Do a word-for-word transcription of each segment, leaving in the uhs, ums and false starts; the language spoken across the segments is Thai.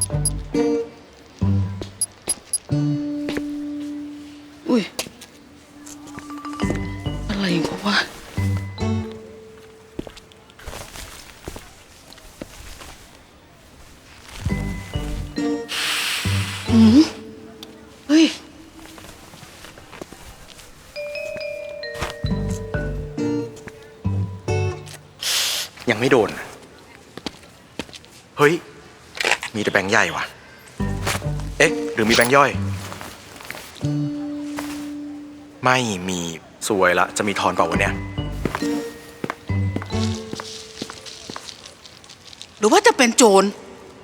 อุ้ยอะไรกูวะอืมเฮ้ยยังไม่โดน เฮ้ย มีแต่แบงค์ใหญ่ว่ะ เอ๊ะ หรือมีแบงค์ย่อย ไม่มีสวยละ จะมีทอนเปล่าวะเนี่ยหรือว่าจะเป็นโจร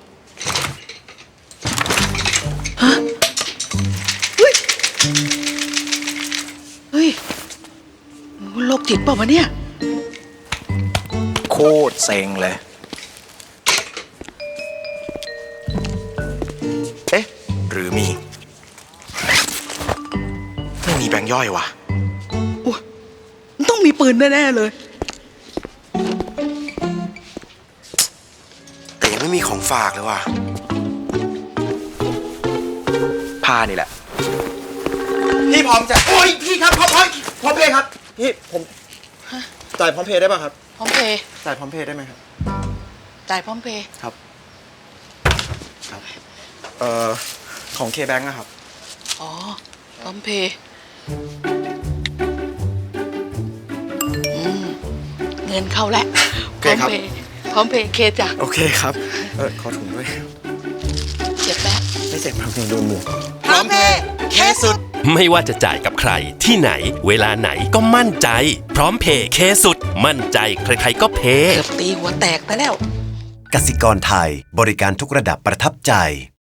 ฮะเฮ้ยเฮ้ยโรคจิตเปล่าวะเนี่ยโคตรเซ็งเลย เอ๊ะ หรือมี ไม่มีแบงค์ย่อยว่ะอุ๊ยมันต้องมีปืนแน่ๆเลยแต่ยังไม่มีของฝากเลยว่ะ ผ้านี่แหละ พี่พร้อมจะโอ้ยพี่ครับพร้อมพร้อมพร้อมเพย์ครับ พี่ผมจ่ายพร้อมเพย์ได้ป่ะครับพร้อมเพย์จ่ายพร้อมเพย์ได้ไหมครับจ่ายพร้อมเพย์ครับ ครับ เอ่อ ของเคแบงค์นะครับอ๋อ พร้อมเพย์อืมเงินเข้าแล้วโอพเคร้อมครับเพย์พร้อมเพย์เคจ้ะโอเคครับ เออขอถุงด้วยเจ็บแล้วไม่เสร็จครับโดนหมวกพร้อมเพย์เคสุดไม่ว่าจะจ่ายกับใครที่ไหน เวลาไหนก็มั่นใจ พร้อมเพย์เคสุด มั่นใจใครๆก็เพย์เกือบตีหัวแตกไปแล้วกสิกรไทยบริการทุกระดับประทับใจ